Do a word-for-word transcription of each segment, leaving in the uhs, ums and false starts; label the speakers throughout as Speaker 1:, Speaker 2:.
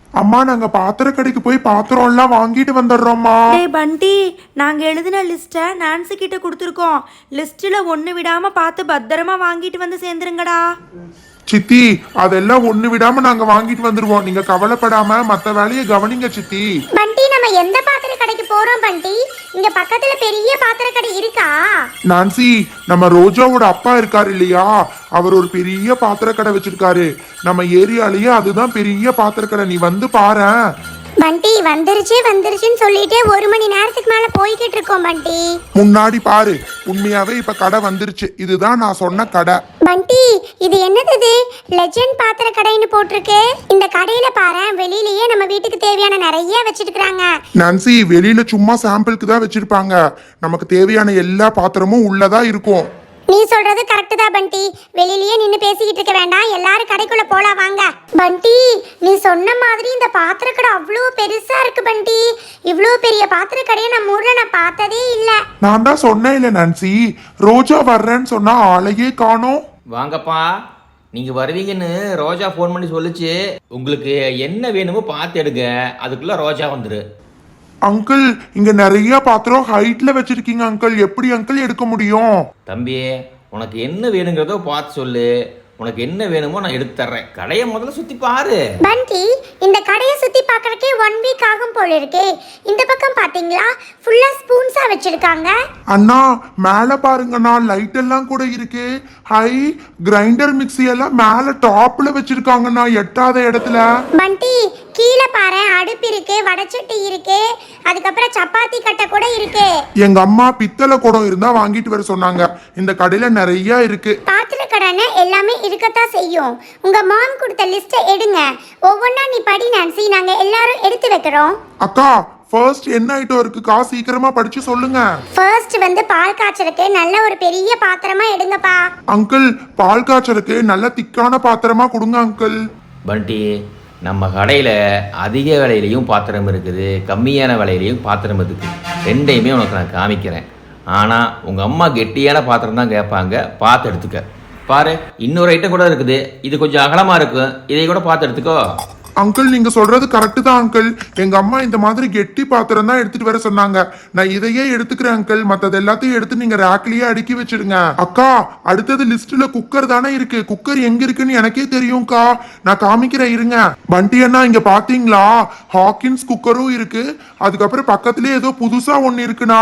Speaker 1: அம்மா நாங்க பாத்திர கடைக்கு போய் பாத்திரம் எல்லாம் வாங்கிட்டு வந்துடுறோம்மா.
Speaker 2: டேய் பண்டி, நாங்க எழுதின லிஸ்ட்டை நான்சி கிட்ட கொடுத்துருக்கோம். லிஸ்ட்ல ஒண்ணு விடாம பார்த்து பத்திரமா வாங்கிட்டு வந்து சேர்ந்துருங்கடா.
Speaker 1: சித்தி அதெல்லாம் ஒண்ணு விடாம நாங்க வாங்கிட்டு வந்துருவோம், நீங்க கவலைப்படாம மத்த வேலையை கவனிங்க சித்தி.
Speaker 3: பண்டி, நம்ம எந்த பாத்திர கடைக்கு போறோம் பண்டி? இங்க பக்கத்துல பெரிய பாத்திர கடை இருக்கா?
Speaker 1: நான்சி, நம்ம ரோஜாவோட அப்பா இருக்காரு இல்லையா, அவர் ஒரு பெரிய பாத்திர கடை வச்சிருக்காரு நம்ம ஏரியாலயே. அதுதான் பெரிய பாத்திர கடை, நீ வந்து பாரேன்.
Speaker 3: பண்டி, வந்துருச்சு வந்துருச்சுன்னு சொல்லிட்டு ஒரு மணி நேரத்துக்கு மேல போய்கிட்டு இருக்கோம் பண்டி.
Speaker 1: முன்னாடி பாரு, உண்மையாவே இப்ப கடை வந்துருச்சு. இதுதான் நான் சொன்ன கடை.
Speaker 3: பண்டி, இது என்னது? இது லெஜெண்ட் பாத்திர கடைன்னு போட்டிருக்கு. இந்த கடையில பாரு, வெளியிலயே நம்ம வீட்டுக்கு தேவையான நிறைய வச்சிருக்காங்க.
Speaker 1: நான்சி, வெளியில சும்மா சாம்பிளுக்கு தான் வச்சிருப்பாங்க, நமக்கு தேவையான எல்லா பாத்திரமும் உள்ளதா இருக்கும்.
Speaker 3: நீ சொல்றது கரெக்ட் தான் பண்டி. வெளியிலயே நின்னு பேசிக்கிட்டு இருக்க வேண்டாம், எல்லாரும் கடைக்குள்ள போலாம் வாங்க. பண்டி, நீ சொன்ன மாதிரி இந்த பாத்திர கடை அவ்வளோ பெருசா இருக்கு பண்டி. இவ்வளோ பெரிய பாத்திர கடையை நம்ம ஊர்ல நான் பார்த்ததே இல்ல.
Speaker 1: நான் தான் சொன்னேன் இல்ல நான்சி, ரோஜா வர்றேன்னு சொன்னா ஆளையே காணோம்.
Speaker 4: வாங்கப்பா, நீங்கள் வருவீங்கன்னு ரோஜா ஃபோன் பண்ணி சொல்லிச்சு. உங்களுக்கு என்ன வேணுமோ பார்த்து எடுங்க, அதுக்குள்ளே ரோஜா வந்துரு.
Speaker 1: அங்கிள், இங்க நிறைய பாத்திரம் ஹைட்ல வச்சிருக்கீங்க அங்கிள், எப்படி அங்கிள் எடுக்க முடியும்?
Speaker 4: தம்பி, உனக்கு என்ன வேணுங்கிறதோ பார்த்து சொல்லு, உனக்கு என்ன வேணுமோ நான் எடுத்து தர்றேன். கடையை முதல்ல சுற்றி பாரு.
Speaker 3: பண்டி, இந்த கடையை சுத்தி பார்க்கறதுக்கே ஒன் வீக் ஆகும் போல இருக்கே. இந்த பக்கம் பாத்தீங்களா, ஃபுல்லா ஸ்பூன்ஸா வச்சிருக்காங்க.
Speaker 1: அண்ணா மேல பாருங்கண்ணா, லைட் எல்லாம் கூட இருக்கு. ஹை கிரைண்டர் மிக்ஸி எல்லாம் மேல டாப்ல வச்சிருக்காங்கண்ணா, எட்டாத இடத்துல.
Speaker 3: பண்டி, கீழே பாரு, அடுப்பு இருக்கு, வடச்சட்டி இருக்கு, அதுக்கப்புறம் சப்பாத்தி கட்டை கூட இருக்கு.
Speaker 1: எங்க அம்மா பித்தளை குடம் இருந்தா வாங்கிட்டு வர சொன்னாங்க, இந்த கடையில நிறைய இருக்கு.
Speaker 3: பாத்திர கடைன்னு எல்லாமே இருக்கத்தான் செய்யும். உங்க மாம் கொடுத்த லிஸ்ட்டை எடுங்க, ஒவ்வொன்றா நீ படி நான்சி, நாங்க எல்லாரும் எடுத்து வைக்கிறோம்.
Speaker 1: அக்கா, ஃபர்ஸ்ட் என்ன ஐட்டம் இருக்குக்கா, சீக்கிரமா படிச்சு சொல்லுங்க.
Speaker 3: ஃபர்ஸ்ட் வந்து பால் காய்ச்சலுக்கு நல்ல ஒரு பெரிய பாத்திரமா எடுங்கப்பா.
Speaker 1: அங்கிள், பால் காய்ச்சலுக்கு நல்ல திக்கான பாத்திரமா கொடுங்க அங்கிள்.
Speaker 4: பண்டி, நம்ம கடையில் அதிக விலையிலையும் பாத்திரம் இருக்குது, கம்மியான விலையிலையும் பாத்திரம் இருக்குது. ரெண்டையுமே உனக்கு நான் காமிக்கிறேன். ஆனால் உங்கள் அம்மா கெட்டியான பாத்திரம் தான் கேட்பாங்க, பார்த்து எடுத்துக்க. பாரு, இன்னொரு ஐட்டம் கூட இருக்குது, இது கொஞ்சம் அகலமாக இருக்கும், இதை கூட பார்த்து எடுத்துக்கோ.
Speaker 1: அங்கிள், நீங்க சொல்றது கரெக்ட் தான் அங்கிள். எங்க அம்மா இந்த மாதிரி கெட்டி பாத்திரம் தான் எடுத்துட்டு வர சொன்னாங்க, நான் இதையே எடுத்துக்கிறேன் அங்கிள். மத்தது எல்லாத்தையும் எடுத்து நீங்க ரேக்லயே அடுக்கி வச்சிடுங்க. அக்கா, அடுத்தது லிஸ்ட்ல குக்கர் தானே இருக்கு, குக்கர் எங்க இருக்குன்னு எனக்கே தெரியும்க்கா, நான் காமிக்கிறேன் இருங்க. பண்டி அண்ணா, இங்க பாத்தீங்களா, ஹாக்கின்ஸ் குக்கரும் இருக்கு, அதுக்கப்புறம் பக்கத்துலயே ஏதோ புதுசா ஒன்னு இருக்குண்ணா.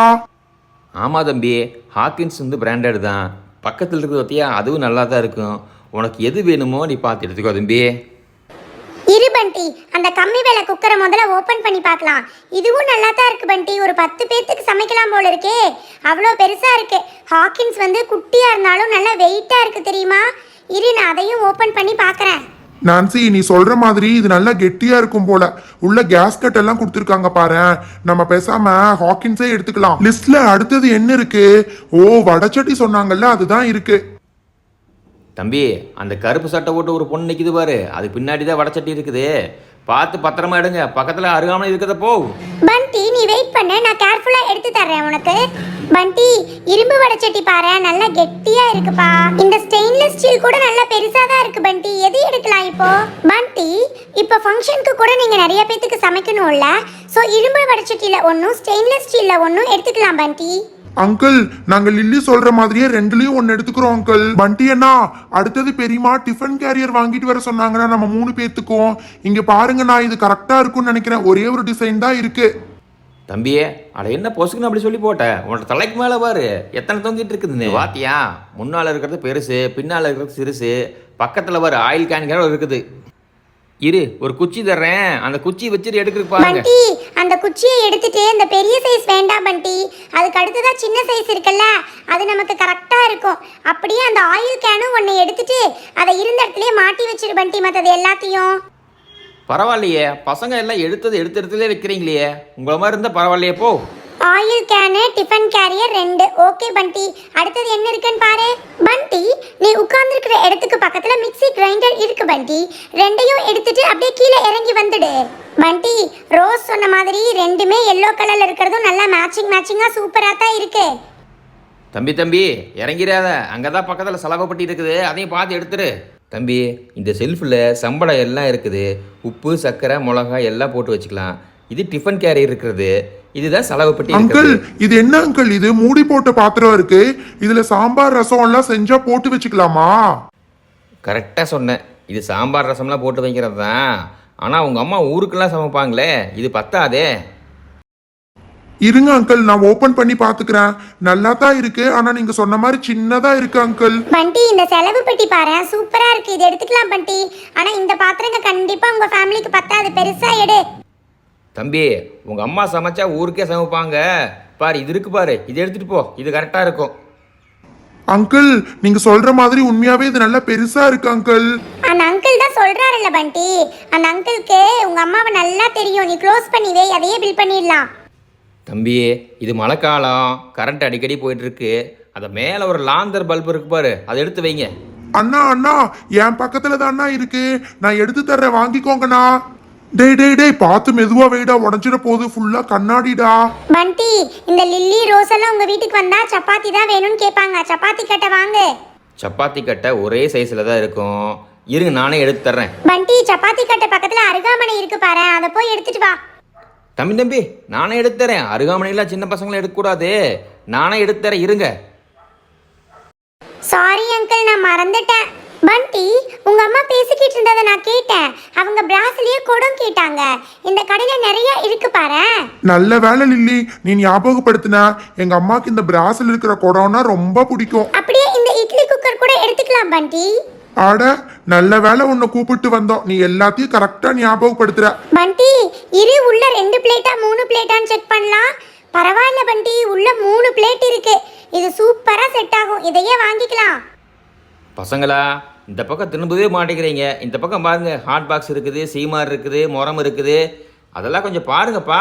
Speaker 4: ஆமாம் தம்பி, ஹாக்கின்ஸ் வந்து பிராண்டட் தான். பக்கத்தில் இருக்கிறது பார்த்தியா, அதுவும் நல்லா தான் இருக்கும். உனக்கு எது வேணுமோ நீ பார்த்து எடுத்துக்கோ தம்பி.
Speaker 3: இரு பண்டி, அந்த கம்மி விலை குக்கரை முதல்ல ஓபன் பண்ணி பார்க்கலாம். இதுவும் நல்லா தான் இருக்கு பண்டி, ஒரு பத்து பேர்த்துக்கு சமைக்கலாம் போல இருக்கே, அவ்வளோ பெருசா இருக்கு. ஹாக்கின்ஸ் வந்து குட்டியா இருந்தாலும் நல்லா வெயிட்டா இருக்கு தெரியுமா. இரு, நான் அதையும் ஓபன் பண்ணி பார்க்கறேன்.
Speaker 1: நான்சி, நீ சொல்ற மாதிரி இது நல்லா கெட்டியா இருக்கும் போல. உள்ள கேஸ் கட் எல்லாம் கொடுத்துருக்காங்க பாரு, நம்ம பேசாம ஹாக்கின்ஸே எடுத்துக்கலாம். லிஸ்ட்ல அடுத்தது என்ன இருக்கு? ஓ, வடச்சட்டி சொன்னாங்கல்ல, அதுதான் இருக்கு.
Speaker 4: தம்பி, அந்த கருப்பு சட்டை போட்டு ஒரு பொண்ணு நிற்கிது பாரு, அது பின்னாடி தான் வடச்சட்டி இருக்குது, பார்த்து பத்திரமா எடுங்க, பக்கத்தில் அருகாமல் இருக்கிறத போ.
Speaker 3: பண்டி, நீ வெயிட் பண்ணு, நான் கேர்ஃபுல்லா எடுத்து தர்றேன் உனக்கு. பண்டி, இரும்பு வடச்சட்டி பாரு, நல்லா கெட்டியா இருக்குப்பா. இந்த ஸ்டெயின்லெஸ் ஸ்டீல் கூட நல்லா பெருசா தான் இருக்கு பண்டி, எது எடுக்கலாம் இப்போ? பண்டி, இப்போ ஃபங்க்ஷனுக்கு கூட நீங்க நிறைய பேத்துக்கு சமைக்கணும்ல, ஸோ இரும்பு வடச்சட்டியில ஒன்றும் ஸ்டெயின்லெஸ் ஸ்டீல்ல ஒன்றும் எடுத்துக்கலாம் பண்டி.
Speaker 1: அங்கிள், நாங்க லில்லி சொல்ற மாதிரியே ரெண்டுலயும் ஒன்னு எடுத்துக்கிறோம் அங்கிள். பண்டி அண்ணா, அடுத்தது பெரியமா டிஃபன் கேரியர் வாங்கிட்டு வர சொன்னாங்கன்னா நம்ம மூணு பேத்துக்கும். இங்க பாருங்க, நான் இது கரெக்டா இருக்கும்னு நினைக்கிறேன், ஒரே ஒரு டிசைன் தான் இருக்கு.
Speaker 4: தம்பியே, அட என்ன பொசுக்குன்னு அப்படி சொல்லி போட்டேன், உன்னோட தலைக்கு மேலே பாரு எத்தனை தொங்கிட்டு இருக்குதுன்னு. வாத்தியா, முன்னால் இருக்கிறது பெருசு, பின்னால் இருக்கிறது சிறுசு, பக்கத்தில் பாரு ஆயில் கேன் இருக்குது. இரு, ஒரு குச்சி தர்றேன், அந்த குச்சி வச்சுட்டு எடுக்கிறதுக்கு பாருங்க.
Speaker 3: பண்டி, அந்த குச்சியை எடுத்துட்டு இந்த பெரிய சைஸ் வேண்டாம் பண்டி, அதுக்கு அடுத்ததா சின்ன சைஸ் இருக்குல்ல, அது நமக்கு கரெக்டா இருக்கும். அப்படியே அந்த ஆயில் கேனும் ஒன்னு எடுத்துட்டு அதை இருந்த இடத்துலயே மாட்டி வச்சிரு பண்டி, மற்றது எல்லாத்தையும்.
Speaker 4: பரவாயில்லையே, பசங்க எல்லாம் எடுத்தது எடுத்த இடத்துல வைக்கிறீங்களே, உங்களை மாதிரி இருந்தால் பரவாயில்லையே போ.
Speaker 3: ஆயில் கேனு, டிஃபன் கேரியர் ரெண்டு. ஓகே பண்டி, அடுத்தது என்ன இருக்குன்னு பாரு. பண்டி, நீ உட்கார்ந்துருக்கிற இடத்துக்கு பக்கத்துல மிக்ஸி கிரைண்டர் இருக்கு பண்டி, ரெண்டையும் எடுத்துட்டு அப்படியே கீழே இறங்கி வந்துடு. பண்டி, ரோஸ் சொன்ன மாதிரி ரெண்டுமே எல்லோ கலர்ல இருக்கிறதும் நல்லா மேட்சிங் மேட்சிங்கா சூப்பரா தான் இருக்கு.
Speaker 4: தம்பி தம்பி இறங்கிறாத, அங்கே தான் பக்கத்தில் செலவுப்பட்டி இருக்குது, அதையும் பார்த்து எடுத்துரு. தம்பி இந்த செல்ஃபில் சம்பளம் எல்லாம் இருக்குது, உப்பு சர்க்கரை மிளகாய் எல்லாம் போட்டு வச்சுக்கலாம். இது டிஃபன் கேரியர் இருக்கிறது, இதுதான் செலவு பெட்டி
Speaker 1: அங்கிள்
Speaker 4: இருக்கிறது.
Speaker 1: இது என்ன அங்கிள், இது மூடி போட்ட பாத்திரம் இருக்கு, இதுல சாம்பார் ரசம் எல்லாம் செஞ்சா போட்டு வச்சுக்கலாமா?
Speaker 4: கரெக்டாக சொன்னேன், இது சாம்பார் ரசம்லாம் போட்டு வைக்கிறது தான். ஆனால் உங்கள் அம்மா ஊருக்கெல்லாம் சமைப்பாங்களே, இது பத்தாதே.
Speaker 1: இருங்க அங்கிள், நான் ஓபன் பண்ணி பாத்துக்கிறேன். நல்லா தான் இருக்கு, ஆனா நீங்க சொன்ன மாதிரி சின்னதா இருக்கு அங்கிள்.
Speaker 3: பண்டி இந்த செலவு பெட்டி பாரு சூப்பரா இருக்கு, இது எடுத்துக்கலாம் பண்டி. ஆனா இந்த பாத்திரங்க கண்டிப்பா உங்க ஃபேமிலிக்கு பத்தாது, பெருசா எடு.
Speaker 4: தம்பி உங்கள் அம்மா சமைச்சா ஊருக்கே சமைப்பாங்க பாரு, இது இருக்கு பாரு, இது எடுத்துகிட்டு போ, இது கரெக்டாக இருக்கும்.
Speaker 1: அங்கிள் நீங்க சொல்ற மாதிரி உண்மையாவே இது நல்லா பெருசா இருக்கு அங்கிள்.
Speaker 3: அந்த அங்கிள் தான் சொல்றாருல்ல பண்டி, அந்த அங்கிளுக்கு உங்க அம்மாவை நல்லா தெரியும், நீ க்ளோஸ் பண்ணி வை, அதையே பில் பண்ணிடலாம்.
Speaker 4: தம்பி இது மழைக்காலம், கரண்ட் அடிக்கடி போயிட்டுருக்கு, அதை மேலே ஒரு லாந்தர் பல்பு இருக்கு பாரு, அதை எடுத்து வைங்க.
Speaker 1: அண்ணா அண்ணா என் பக்கத்துல தான் அண்ணா இருக்கு, நான் எடுத்து தர்றேன், வாங்கிக்கோங்கண்ணா. டேய் டேய் டேய் பார்த்து மெதுவா வைடா, உடஞ்சிட போகுது, ஃபுல்லா கண்ணாடிடா.
Speaker 3: பண்டி இந்த லில்லி ரோஸ் எல்லாம் உங்க வீட்டுக்கு வந்தா சப்பாத்தி தான் வேணும்னு கேட்பாங்க, சப்பாத்தி கட்டை வாங்கு.
Speaker 4: சப்பாத்தி கட்டை ஒரே சைஸில் தான் இருக்கும், இருங்க நானே எடுத்து தர்றேன்.
Speaker 3: பண்டி சப்பாத்தி கட்டை பக்கத்துல அருகாமனை இருக்கு பாரு, அதை போய் எடுத்துட்டு வா.
Speaker 4: தம்பி தம்பி நானே எடுத்து தரேன், அருகாமனையில் சின்ன பசங்களும் எடுக்கக்கூடாது, நானே எடுத்து தரேன், இருங்க.
Speaker 3: சாரி அங்கிள் நான் மறந்துட்டேன். பண்டி உங்க அம்மா பேசிக்கிட்டு இருந்ததை நான் கேட்டேன், அவங்க பிராஸ்லயே குடம் கேட்டாங்க, இந்த கடையில நிறைய இருக்கு பாரு.
Speaker 1: நல்ல வேலை லில்லி, நீ ஞாபகப்படுத்தின. எங்க அம்மாக்கு இந்த பிராஸ்ல இருக்கிற குடம்னா ரொம்ப பிடிக்கும்.
Speaker 3: அப்படியே இந்த இட்லி குக்கர் கூட எடுத்துக்கலாம் பண்டி.
Speaker 1: ஆட நல்ல வேலை உன்னை கூப்பிட்டு வந்தோம், நீ எல்லாத்தையும் கரெக்டா ஞாபகப்படுத்துற.
Speaker 3: பண்டி இரு, உள்ள ரெண்டு பிளேட்டா மூணு பிளேட்டான்னு செக் பண்ணலாம். பரவாயில்ல பண்டி, உள்ள மூணு பிளேட் இருக்கு, இது சூப்பரா செட் ஆகும், இதையே வாங்கிக்கலாம்.
Speaker 4: பசங்களா இந்த பக்கம் திரும்பவே மாட்டேங்கிறீங்க, இந்த பக்கம் பாருங்க, ஹாட் பாக்ஸ் இருக்குது, சீமார் இருக்குது, முறம் இருக்குது, அதெல்லாம் கொஞ்சம் பாருங்கப்பா.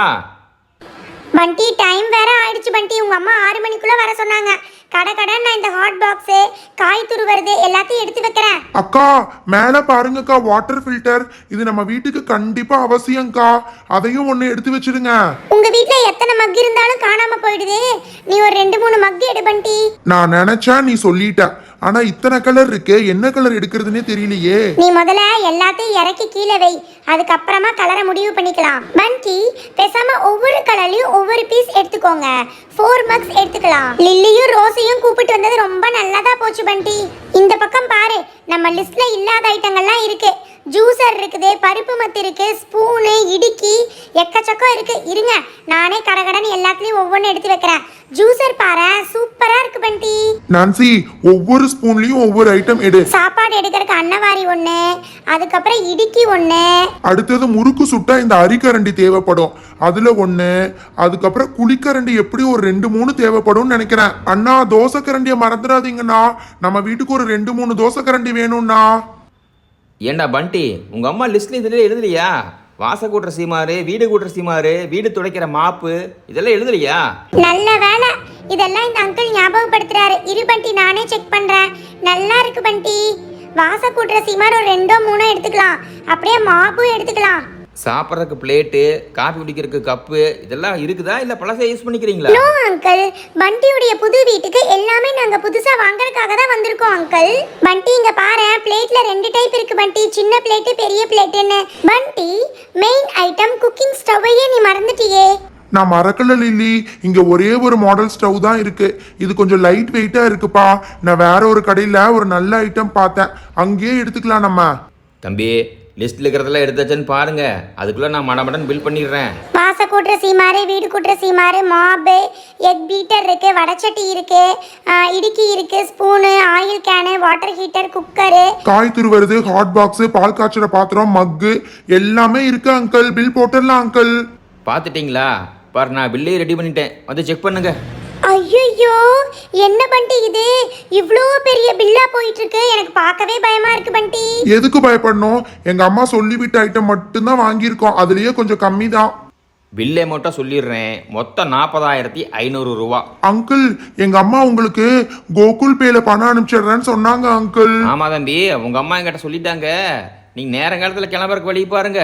Speaker 3: பண்டி டைம் வேற ஆயிடுச்சு பண்டி, உங்க அம்மா ஆறு மணிக்குள்ள வர சொன்னாங்க. கடை கடன் நான் இந்த ஹாட் பாக்ஸ் காய் துருவருது எல்லாத்தையும் எடுத்து வைக்கிறேன்.
Speaker 1: அக்கா மேல பாருங்கக்கா, வாட்டர் ஃபில்டர், இது நம்ம வீட்டுக்கு கண்டிப்பா அவசியம்க்கா, அதையும் ஒண்ணு எடுத்து வச்சிடுங்க.
Speaker 3: உங்க வீட்ல எத்தனை மக் இருந்தாலும் காணாம போயிடுது, நீ ஒரு ரெண்டு மூணு மக் எடு பண்டி.
Speaker 1: நான் நினைச்சா நீ சொல்லிட்ட, ஆனா இத்தனை கலர் இருக்கு, என்ன கலர் எடுக்கிறதுனே தெரியலையே.
Speaker 3: நீ முதல்ல எல்லாத்தையும் இறக்கி கீழே வை, அதுக்கப்புறமா கலரை முடிவு பண்ணிக்கலாம். பண்டி பேசாம ஒவ்வொரு கலர்லயும் ஒவ்வொரு பீஸ் எடுத்துக்கோங்க, ஃபோர் மக்ஸ் எடுத்துக்கலாம். லில்லியும் ரோஸையும் கூப்பிட்டு வந்தது ரொம்ப நல்லதா போச்சு பண்டி. இந்த பக்கம் பாரு, நம்ம லிஸ்ட்ல இல்லாத ஐட்டங்கள்லாம் இருக்கு, ஜூசர் இருக்குது, பருப்பு மத்து இருக்கு, ஸ்பூனு, இடுக்கி, எக்கச்சக்கம் இருக்கு. இருங்க நானே கடகடன்னு எல்லாத்துலயும் ஒவ்வொன்று எடுத்து வைக்கிறேன். ஜூசர் பாரு சூப்பரா இருக்கு பண்டி.
Speaker 1: நான்சி ஒவ்வொரு ஸ்பூன்லயும் ஒவ்வொரு ஐட்டம் எடு.
Speaker 3: சாப்பாடு எடுக்கிறதுக்கு அன்னவாரி ஒண்ணு, அதுக்கப்புறம் இடுக்கி ஒண்ணு,
Speaker 1: அடுத்தது முறுக்கு சுட்டா இந்த அரிக்கரண்டி தேவைப்படும், அதுல ஒண்ணு, அதுக்கப்புறம் குழிக்கரண்டி எப்படி ஒரு ரெண்டு மூணு தேவைப்படும் நினைக்கிறேன். அண்ணா தோசை கரண்டியை மறந்துடாதீங்கண்ணா, நம்ம வீட்டுக்கு ஒரு ரெண்டு மூணு தோசை கரண்டி வேணும்ண்ணா.
Speaker 4: ஏண்டா பண்டி உங்கள் அம்மா லிஸ்ட்ல இதில் எழுதலையா? வாச கூட்டுற சீமாரு, வீடு கூட்டுற சீமாரு, வீடு துடைக்கிற மாப்பு, இதெல்லாம் எழுதலையா?
Speaker 3: நல்ல வேலை இதெல்லாம் இந்த அங்கிள் ஞாபகப்படுத்துறாரு. இரு பண்டி நானே செக் பண்றேன். நல்லா இருக்கு பண்டி, வாச கூட்டுற சீமார் ஒரு ரெண்டோ மூணோ எடுத்துக்கலாம், அப்படியே மாப்பும் எடுத்துக்கலாம்.
Speaker 4: சாப்பிட்றதுக்கு பிளேட்டு, காஃபி குடிக்கிறதுக்கு கப்பு, இதெல்லாம் இருக்குதா இல்லை பழசை யூஸ் பண்ணிக்கிறீங்களா?
Speaker 3: நோ அங்கிள், பண்டியுடைய புது வீட்டுக்கு எல்லாமே நாங்க புதுசா வாங்குறதுக்காக தான் வந்திருக்கோம் அங்கிள். பண்டி இங்க பாரு, பிளேட்ல ரெண்டு டைப் இருக்கு பண்டி, சின்ன பிளேட் பெரிய பிளேட்னு. பண்டி மெயின் ஐட்டம் குக்கிங் ஸ்டவ்வையே நீ மறந்துட்டியே.
Speaker 1: நான் மறக்கல லில்லி, இங்க ஒரே ஒரு மாடல் ஸ்டவ் தான் இருக்கு, இது கொஞ்சம் லைட் வெயிட்டா இருக்குப்பா. நான் வேற ஒரு கடையில ஒரு நல்ல ஐட்டம் பார்த்தேன், அங்கேயே எடுத்துக்கலாம் நம்ம.
Speaker 4: தம்பி லிஸ்ட்ல இருக்கிறதெல்லாம் எடுத்தாச்சுன்னு பாருங்க, அதுக்குள்ள நான் மடமடன் பில் பண்ணிடுறேன்.
Speaker 3: வாச கூட்டுற சீமாரு, வீடு கூட்டுற சீமாரு, மாப்பு, எக் பீட்டர் இருக்கு, வடச்சட்டி இருக்கு, இடுக்கி இருக்கு, spoon, oil can, water heater, cooker,
Speaker 1: காய் துருவருது, ஹாட் பாக்ஸ், பால் காய்ச்சற பாத்திரம், மக்கு எல்லாமே இருக்கு அங்கிள். பில் போட்டுடலாம் அங்கிள்.
Speaker 4: பார்த்துட்டிங்களா? பாரு நான் பில்லே ரெடி பண்ணிட்டேன், வந்து செக் பண்ணுங்க.
Speaker 3: ஐயோ என்ன பண்டி இது இவ்ளோ பெரிய பில்லா போயிட்டு இருக்கு, எனக்கு பார்க்கவே பயமா இருக்கு பண்டி.
Speaker 1: எதுக்கு பயப்படணும், எங்க அம்மா சொல்லிவிட்ட ஐட்டம் மட்டும்தான் வாங்கியிருக்கோம், அதுலயே கொஞ்சம் கம்மி தான்.
Speaker 4: பில்லே மட்டும் சொல்லிடுறேன், மொத்தம் நாற்பதாயிரத்தி ஐநூறு ரூபா.
Speaker 1: அங்கிள் எங்க அம்மா உங்களுக்கு கோகுல் பேல பணம் அனுப்பிச்சிடுறேன்னு சொன்னாங்க அங்கிள்.
Speaker 4: ஆமா தம்பி, உங்க அம்மா என்கிட்ட சொல்லிட்டாங்க, நீங்க நேரங்காலத்தில் கிளம்புறக்கு வழி பாருங்க.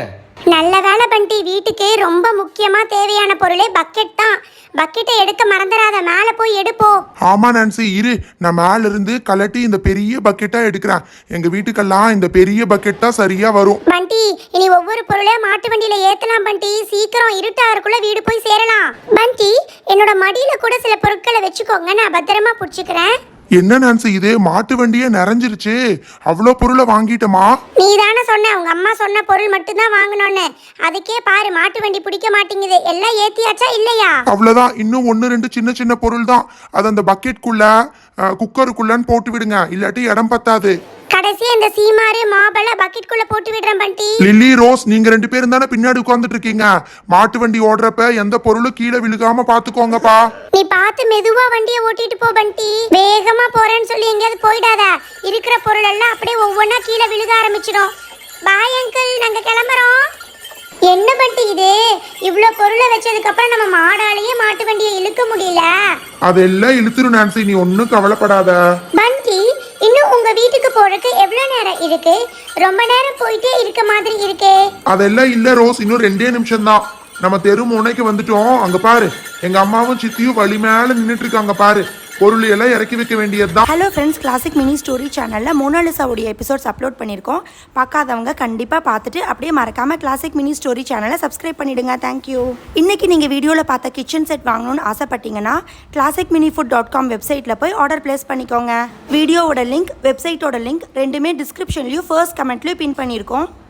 Speaker 3: நல்ல வேலை பண்டி, வீட்டுக்கு ரொம்ப முக்கியமா தேவையான பொருளே பக்கெட் தான். பக்கெட்டை எடுக்க மறந்துடாத, மேல போய் எடுப்போ.
Speaker 1: ஆமா நான்சி, இரு நான் மேல இருந்து கலட்டி இந்த பெரிய பக்கெட்டா எடுக்கிறேன். எங்க வீட்டுக்கெல்லாம் இந்த பெரிய பக்கெட் தான் சரியா வரும்.
Speaker 3: பண்டி, இனி ஒவ்வொரு பொருளையும் மாட்டு வண்டியில ஏத்தலாம் பண்டி. சீக்கிரம் இருட்டாருக்குள்ள வீடு போய் சேரலாம். பண்டி, என்னோட மடியில கூட சில பொருட்களை வச்சுக்கோங்க, நான் பத்திரமா புடிச்சுக்கிறேன்.
Speaker 1: என்ன நான்சி இது, மாட்டு வண்டியே நிறைஞ்சிருச்சு. அவ்வளோ பொருளை வாங்கிட்டமா?
Speaker 3: நீ தானே சொன்ன உங்க அம்மா சொன்ன பொருள் மட்டும்தான் வாங்கணும்னு. அதுக்கே பாரு, மாட்டு வண்டி பிடிக்க மாட்டேங்குது. எல்லாம் ஏத்தியாச்சா இல்லையா?
Speaker 1: அவ்வளோதான், இன்னும் ஒன்று ரெண்டு சின்ன சின்ன பொருள் தான். அது அந்த பக்கெட்குள்ள குக்கருக்குள்ளன்னு போட்டு விடுங்க, இல்லாட்டி இடம் பத்தாது.
Speaker 3: கடைசியா இந்த சீமாரு மாபல பக்கெட் குள்ள போட்டு விடுறேன் பண்டி.
Speaker 1: லில்லி, ரோஸ், நீங்க ரெண்டு பேரும் தானே பின்னாடி உட்கார்ந்துட்டு இருக்கீங்க. மாட்டு வண்டி ஓடுறப்ப எந்த பொருளும் கீழே விழுகாம பாத்துக்கோங்கப்பா.
Speaker 3: நீ பார்த்து மெதுவா வண்டியை ஓட்டிட்டு போ பண்டி. வேகமா போறேன்னு சொல்லி எங்கேயாவது போயிடாத. இருக்கிற பொருள் எல்லாம் அப்படியே ஒவ்வொன்றா கீழே விழுக ஆரம்பிச்சிடும். பாய் அங்கிள், நாங்க கிளம்புறோம். என்ன பண்டி இது, இவ்ளோ பொருளை வச்சதுக்கு அப்புறம் நம்ம மாடாலேயே மாட்டு வண்டியை இழுக்க முடியல.
Speaker 1: அதெல்லாம் இழுத்துரும் நான்சி, நீ ஒன்னும் கவலைப்படாத.
Speaker 3: பண்டி, இன்னும் உங்க வீட்டுக்கு போறதுக்கு எவ்வளவு நேரம் இருக்கு? ரொம்ப நேரம் போயிட்டே இருக்க மாதிரி இருக்கே.
Speaker 1: அதெல்லாம் இல்ல ரோஸ், இன்னும் ரெண்டே நிமிஷம் தான். நம்ம தெரு முனைக்கு வந்துட்டோம். அங்க பாரு, எங்க அம்மாவும் சித்தியும் வழி மேல நின்னுட்டு இருக்காங்க பாரு. பொருள் எல்லாம் இறக்கி வைக்க வேண்டியதுதான்.
Speaker 2: Hello friends, classic mini story சேனலில் மோனாலிசாவுடைய எபிசோட்ஸ் அப்லோட் பண்ணியிருக்கோம். பார்க்காதவங்க கண்டிப்பாக பார்த்துட்டு அப்படியே மறக்காமல் கிளாசிக் மினி ஸ்டோரி சேனலை சப்ஸ்கிரைப் பண்ணிவிடுங்க. தேங்க்யூ. இன்றைக்கி நீங்கள் வீடியோவில் பார்த்த கிச்சன் செட் வாங்கணும்னு ஆசைப்பட்டீங்கன்னா classic mini food dot com வெப்சைட்டில் போய் ஆர்டர் பிளேஸ் பண்ணிக்கோங்க. வீடியோவோட லிங்க், வெப்சைட்டோட லிங்க் ரெண்டுமே டிஸ்கிரிப்ஷன்லையும் ஃபர்ஸ்ட் கமெண்ட்லையும் பின் பண்ணியிருக்கோம்.